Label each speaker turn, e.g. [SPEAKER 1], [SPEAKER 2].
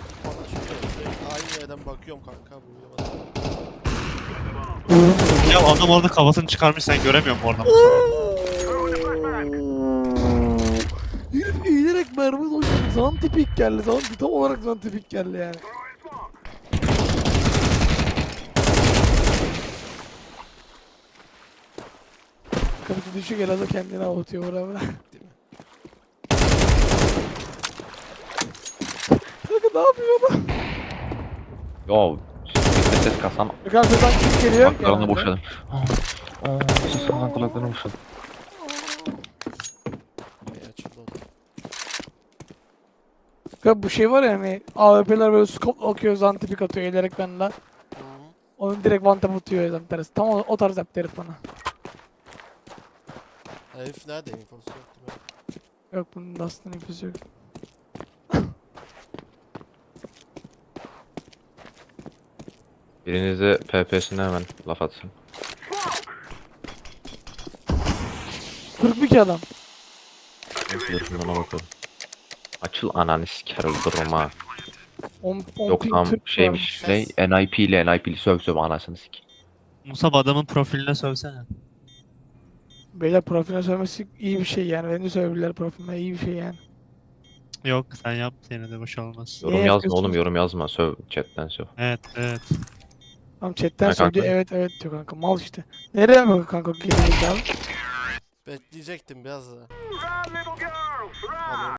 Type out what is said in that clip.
[SPEAKER 1] Bana sürekli aynı yerden bakıyorum kanka. Uyuyamadım.
[SPEAKER 2] Ya adam orada kafasını çıkarmış, sen göremiyor musun oradan?
[SPEAKER 3] Herif eğilerek mermi doşladı. Zantipik geldi. Tam olarak zantipik geldi yani. Kapıcı düşük Elazığ kendini avutuyor oraya. Kanka ne yapıyor adam?
[SPEAKER 4] Yo. Ses kasam.
[SPEAKER 3] Arkadan kim geliyor?
[SPEAKER 4] Kulaklarını
[SPEAKER 3] Genelde.
[SPEAKER 4] boşadım. Ses kasan kulaklarını boşadım.
[SPEAKER 1] Ay açıldı o da.
[SPEAKER 3] Kanka bu şey var ya hani AWP'ler böyle scope akıyor, zantipik atıyor eğilerek benden.
[SPEAKER 1] Hı.
[SPEAKER 3] Onu direkt one tap atıyor tam tersi. Tam o tarz yaptı herif bana.
[SPEAKER 1] Herif nerede infosu yoktu be.
[SPEAKER 3] Yok bunun aslında infosu yok.
[SPEAKER 4] Birinize PP'sine hemen laf atsın.
[SPEAKER 3] 42 adam.
[SPEAKER 4] Yakından bakalım. Açıl ananı siker öldürürüm ha.
[SPEAKER 3] 10
[SPEAKER 4] Yok
[SPEAKER 3] ping
[SPEAKER 4] tam
[SPEAKER 3] Türk
[SPEAKER 4] şeymiş.
[SPEAKER 3] varmış.
[SPEAKER 4] NIP'li söv anasını sik.
[SPEAKER 2] Musab adamın profiline sövsene.
[SPEAKER 3] Beyler profiline söylemesi iyi bir şey yani. Beni söyleyebilirler profiline iyi bir şey yani.
[SPEAKER 2] Yok sen yap, yine de boş olmaz.
[SPEAKER 3] Niye
[SPEAKER 4] Yorum yazma
[SPEAKER 3] yapıyorsunuz?
[SPEAKER 4] oğlum, yorum yazma. Söv chatten söv.
[SPEAKER 2] Evet evet.
[SPEAKER 3] Tamam chatten
[SPEAKER 4] Ha, kanka.
[SPEAKER 3] söylüyor evet evet diyor kanka mal işte. Nereye bak kanka geri abi?
[SPEAKER 1] Bekleyecektim biraz da. Alayım